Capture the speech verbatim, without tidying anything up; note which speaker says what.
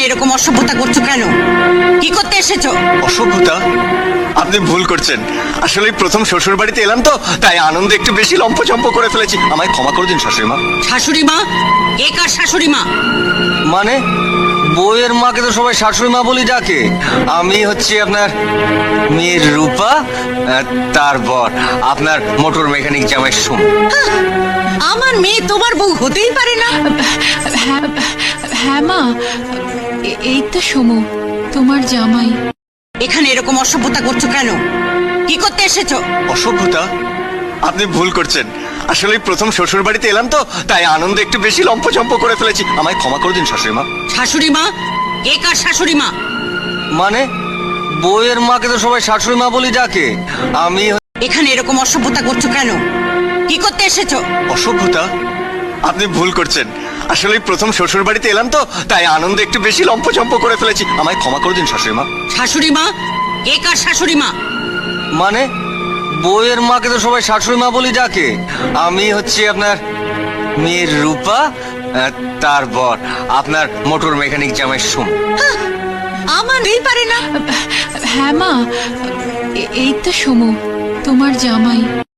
Speaker 1: এরকম অসভ্যতা করছো কেন? কি করতে এসেছো?
Speaker 2: অসভ্যতা? আপনি ভুল করছেন। আসলে প্রথম শ্বশুর বাড়িতে এলাম তো, তাই আনন্দে একটু বেশি লম্পচম্প করে ফেলেছি। আমায় ক্ষমা করে দিন শাশুড়ি মা।
Speaker 1: শাশুড়ি মা? কে কার শাশুড়ি মা?
Speaker 2: মানে বউয়ের মাকে তো সবাই শাশুড়ি মা বলি ডাকে। আমি হচ্ছে আপনার মেয়ের রূপা, আহ, তারপর আপনার মোটর মেকানিক জামাই সুম।
Speaker 1: আমার মেয়ে তোমার বউ হতেই পারে না।
Speaker 3: হ্যাঁ হ্যাঁ মা, এ- এই তো সমু, তোমার জামাই।
Speaker 1: এখানে এরকম অসভ্যতা করছো কেন? কি করতে এসেছো?
Speaker 2: অসভ্যতা? আপনি ভুল করছেন। আসলে প্রথম শ্বশুর বাড়িতে এলাম তো, তাই আনন্দে একটু বেশি লম্পচম্প করে ফেলেছি। আমায় ক্ষমা করে দিন শাশুড়ি মা।
Speaker 1: শাশুড়ি মা? কে কার শাশুড়ি মা?
Speaker 2: মানে বউয়ের মাকে তো সবাই শাশুড়ি মা বলি ডাকে। আমি
Speaker 1: এখানে এরকম অসভ্যতা করছো কেন? কি করতে এসেছো?
Speaker 2: অসভ্যতা? আপনি ভুল করছেন। আসলে প্রথম শ্বশুর বাড়িতে এলাম তো, তাই আনন্দে একটু বেশি লম্পচম্প করে ফেলেছি। আমায় ক্ষমা করে দিন শাশুড়ি মা।
Speaker 1: শাশুড়ি মা? কে কার শাশুড়ি মা?
Speaker 2: মানে বউয়ের মাকে তো সবাই শাশুড়ি মা বলি ডাকে। আমি হচ্ছে আপনার মেয়ের রূপা, আহ, তারপর আপনার মোটর মেকানিক জামাই সুম।
Speaker 1: আমার হতেই পারে না।
Speaker 3: হ্যাঁ মা, এ- এই তো সমু, তোমার জামাই।